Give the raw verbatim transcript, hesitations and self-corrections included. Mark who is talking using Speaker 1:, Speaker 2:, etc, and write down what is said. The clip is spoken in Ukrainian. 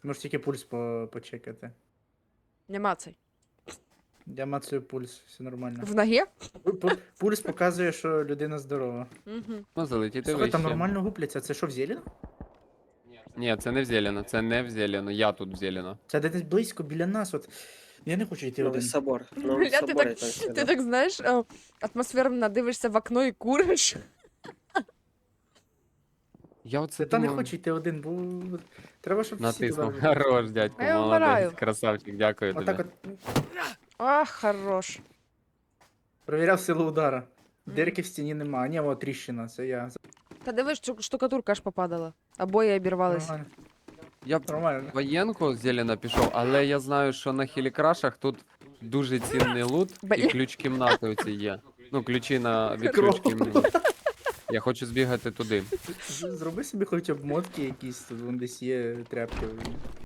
Speaker 1: Можеш тільки пульс по почекати.
Speaker 2: Нема цей.
Speaker 1: Я мацаю пульс, все нормально.
Speaker 2: В ногі?
Speaker 1: Пу- пу- Пульс показує, що людина здорова.
Speaker 2: Угу.
Speaker 3: Ну, залетіти
Speaker 1: Слухай, там
Speaker 3: вище.
Speaker 1: нормально гупляться. Це що, в зелено?
Speaker 3: Ні, це не в зелено, це не в зелено, я тут в зелено.
Speaker 1: Це десь близько біля нас. От. Я не хочу йти
Speaker 4: Новий
Speaker 1: один.
Speaker 4: собор. Новий
Speaker 2: Бля, ти
Speaker 4: собор.
Speaker 2: так,
Speaker 4: там всі,
Speaker 2: ти
Speaker 4: да.
Speaker 2: так знаєш, е, атмосферно дивишся в окно і куриш.
Speaker 3: Я оце
Speaker 1: Та не
Speaker 3: думав,
Speaker 1: хочу йти один, бо треба, щоб всі
Speaker 3: натиснув.
Speaker 1: туди.
Speaker 3: Хорош, дядько,
Speaker 2: А я вмираю.
Speaker 3: молодець, красавчик, дякую тобі.
Speaker 1: Отак от
Speaker 2: Ах, хорош.
Speaker 1: провіряв силу удара.
Speaker 2: Мгм.
Speaker 1: Дирки в стіні нема. А, ні, о, тріщина, це я.
Speaker 2: Та дивись, шту- штукатурка аж попадала. Обої обірвались.
Speaker 1: Нормально.
Speaker 3: Я б
Speaker 1: Нормально.
Speaker 3: воєнку зелено пішов, але я знаю, що на хілікрашах тут дуже цінний лут
Speaker 2: Бля.
Speaker 3: і ключ кімнати оці є. Ну, ключі на від
Speaker 1: Кров.
Speaker 3: ключ кімнати. Я хочу збігати туди.
Speaker 1: Зроби собі хоч обмотки якісь, тут вон десь є тряпки.